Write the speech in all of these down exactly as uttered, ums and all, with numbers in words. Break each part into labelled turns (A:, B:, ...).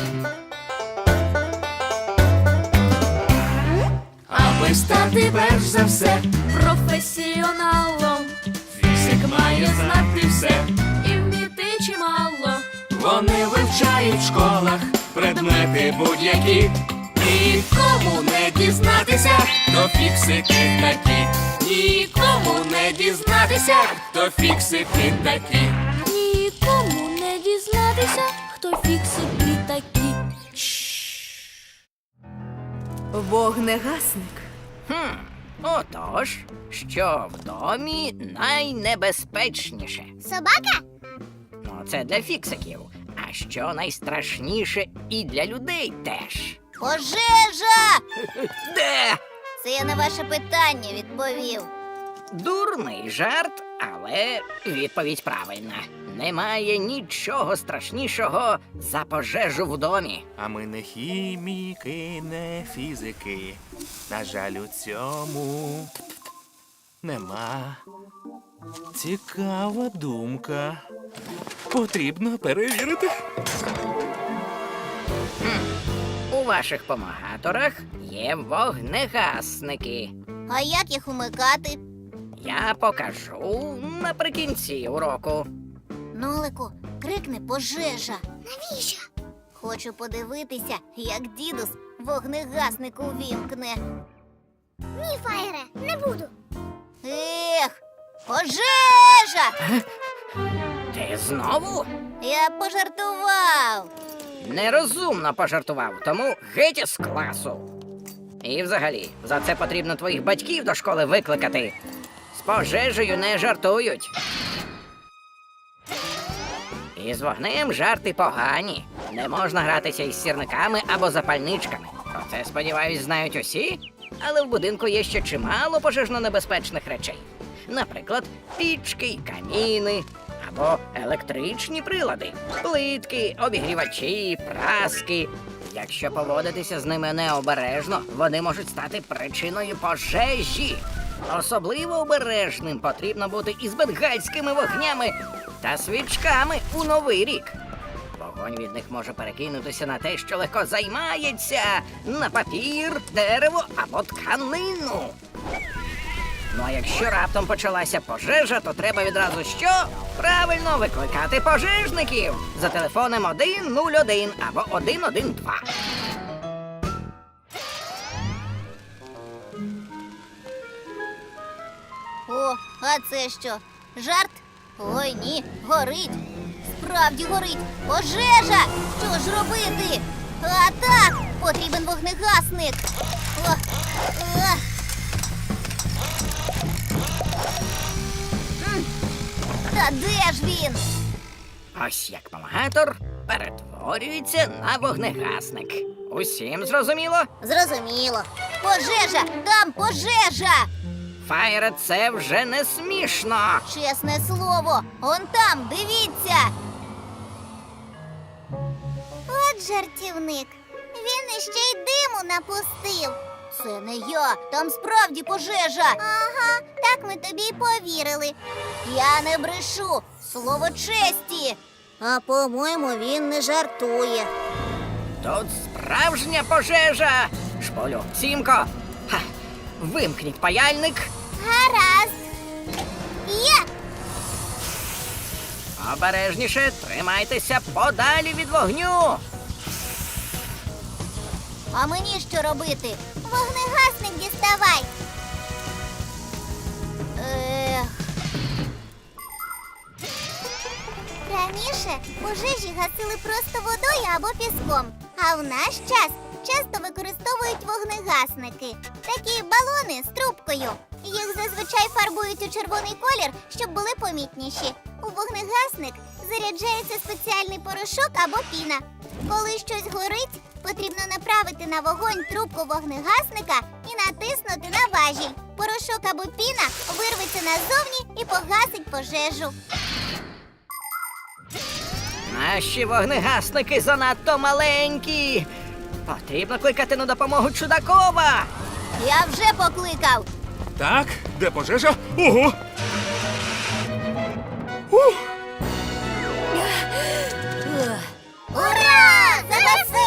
A: Аби стати перш за все
B: професіоналом,
A: фізик має знати все.
B: і вміти чимало.
A: Вони вивчають в школах предмети будь-які. Нікому не дізнатися, хто фіксики такі. Нікому не дізнатися, хто фіксики такі.
B: Нікому не дізнатися, хто фіксики такі.
C: Вогнегасник.
D: Хм, отож, що в домі найнебезпечніше?
E: Собака?
D: Ну, це для фіксиків. А що найстрашніше і для людей теж.
E: Пожежа!
D: Де?
E: Це я на ваше питання відповів.
D: Дурний жарт, але відповідь правильна. Немає нічого страшнішого за пожежу в домі.
F: А ми не хіміки, не фізики. На жаль, у цьому нема. Цікава думка. Потрібно перевірити.
D: У ваших помагаторах є вогнегасники.
E: А як їх умикати?
D: Я покажу наприкінці уроку.
E: Нолику, крикни пожежа. Навіщо? Хочу подивитися, як дідус вогнегасник увімкне. Ні, Фаєре, не буду. Ех, пожежа!
D: Ти знову?
E: Я пожартував.
D: Нерозумно пожартував, тому геть із класу. І взагалі, за це потрібно твоїх батьків до школи викликати. З пожежею не жартують. І з вогнем жарти погані. Не можна гратися із сірниками або запальничками. Про це, сподіваюсь, знають усі. Але в будинку є ще чимало пожежно-небезпечних речей. Наприклад, пічки й каміни, або електричні прилади, плитки, обігрівачі, праски. Якщо поводитися з ними необережно, вони можуть стати причиною пожежі. Особливо обережним потрібно бути із бенгальськими вогнями та свічками у Новий рік. Вогонь від них може перекинутися на те, що легко займається, на папір, дерево або тканину. Ну а якщо раптом почалася пожежа, то треба відразу що? Правильно, викликати пожежників за телефоном один нуль один або один один два.
E: О, а це що? Жарт? Ой, ні, горить. Справді горить. Пожежа! Що ж робити? А так, потрібен вогнегасник. О, о. М, Та де ж він?
D: Ось як помагатор перетворюється на вогнегасник. Усім зрозуміло?
E: Зрозуміло. Пожежа! Там пожежа!
D: Фаєре, це вже не смішно.
E: Чесне слово, он там, дивіться. От жартівник. Він іще й диму напустив. Це не я, там справді пожежа. Ага, так ми тобі й повірили. Я не брешу, слово честі. А по-моєму, він не жартує.
D: Тут справжня пожежа. Шполю, Сімко, ха, вимкніть паяльник.
E: Гаразд. Є!
D: Обережніше, тримайтеся подалі від вогню.
E: А мені що робити? Вогнегасник діставай. Ех. Раніше пожежі гасили просто водою або піском, а в наш час часто використовують вогнегасники. Такі балони з трубкою. Їх зазвичай фарбують у червоний колір, щоб були помітніші. У вогнегасник заряджається спеціальний порошок або піна. Коли щось горить, потрібно направити на вогонь трубку вогнегасника і натиснути на важіль. Порошок або піна вирветься назовні і погасить пожежу.
D: Наші вогнегасники занадто маленькі. Потрібно кликати на допомогу Чудакова.
E: Я вже покликав.
F: Так, де пожежа? Ого! Ух!
E: Ура! Загаси!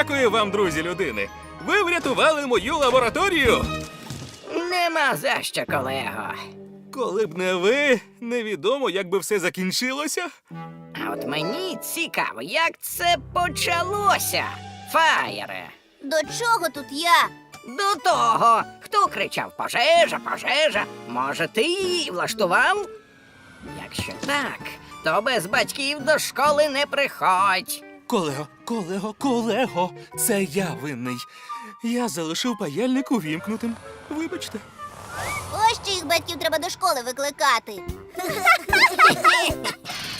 F: Дякую вам, друзі людини. Ви врятували мою лабораторію.
D: Нема за що, колего.
F: Коли б не ви, невідомо, як би все закінчилося.
D: А от мені цікаво, як це почалося, Фаєре.
E: До чого тут я?
D: До того, хто кричав «пожежа, пожежа», може, ти її влаштував? Якщо так, то без батьків до школи не приходь.
F: Колего, колего, колего, це я винний. Я залишив паяльник увімкнутим. Вибачте.
E: Ось чиїх батьків треба до школи викликати.